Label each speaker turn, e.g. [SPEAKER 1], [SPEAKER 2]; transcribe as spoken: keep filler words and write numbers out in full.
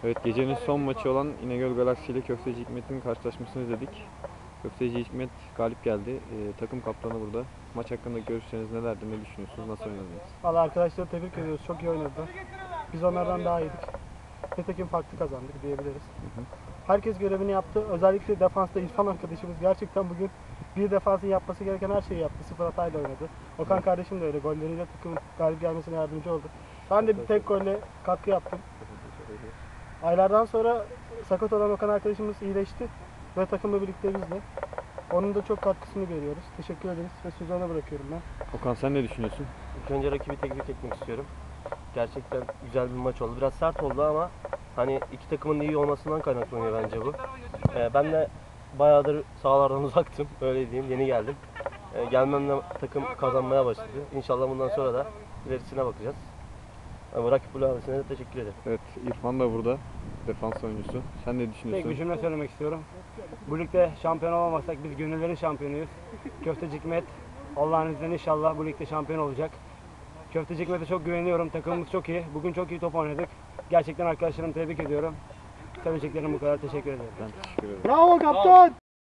[SPEAKER 1] Evet, gecenin son maçı olan İnegöl Galaksi ile Köfteci Hikmet'in karşılaşmasını izledik. Köfteci Hikmet galip geldi. Ee, takım kaptanı burada. Maç hakkında görüşleriniz nelerdi, ne düşünüyorsunuz, nasıl oynadınız?
[SPEAKER 2] Valla arkadaşları tebrik ediyoruz. Çok iyi oynadılar. Biz onlardan daha iyiydik. Nitekim farklı kazandık diyebiliriz.
[SPEAKER 1] Hı hı.
[SPEAKER 2] Herkes görevini yaptı. Özellikle defansta İrfan arkadaşımız gerçekten bugün bir defansın yapması gereken her şeyi yaptı. Sıfır hatayla oynadı. Okan
[SPEAKER 1] Evet.
[SPEAKER 2] kardeşim de öyle. Golleriyle takımın galip gelmesine yardımcı oldu. Ben de bir tek golle katkı yaptım. Aylardan sonra sakat olan Okan arkadaşımız iyileşti ve takımla birlikte bizle. Onun da çok katkısını görüyoruz. Teşekkür ederiz ve sözü ona bırakıyorum ben.
[SPEAKER 1] Okan, sen ne düşünüyorsun?
[SPEAKER 3] İlk önce rakibi tebrik etmek istiyorum. Gerçekten güzel bir maç oldu. Biraz sert oldu ama hani iki takımın iyi olmasından kaynaklanıyor bence bu. Ee, ben de bayağıdır sahalardan uzaktım. Öyle diyeyim. Yeni geldim. Ee, gelmemle takım kazanmaya başladı. İnşallah bundan sonra da ilerisine bakacağız. Ama rakip ailesine de teşekkür ederim.
[SPEAKER 1] Evet, İrfan da burada. Defans oyuncusu. Sen ne
[SPEAKER 4] Tek
[SPEAKER 1] düşünüyorsun?
[SPEAKER 4] bir cümle söylemek istiyorum. Bu ligde şampiyon olamazsak biz gönüllerin şampiyonuyuz. Köfteci Hikmet Allah'ın izniyle inşallah bu ligde şampiyon olacak. Köfteci Hikmet'e çok güveniyorum. Takımımız çok iyi. Bugün çok iyi top oynadık. Gerçekten arkadaşlarımı tebrik ediyorum. Söyleyeceklerim bu kadar. Teşekkür ederim.
[SPEAKER 1] Ben teşekkür ederim.
[SPEAKER 2] Bravo kaptan!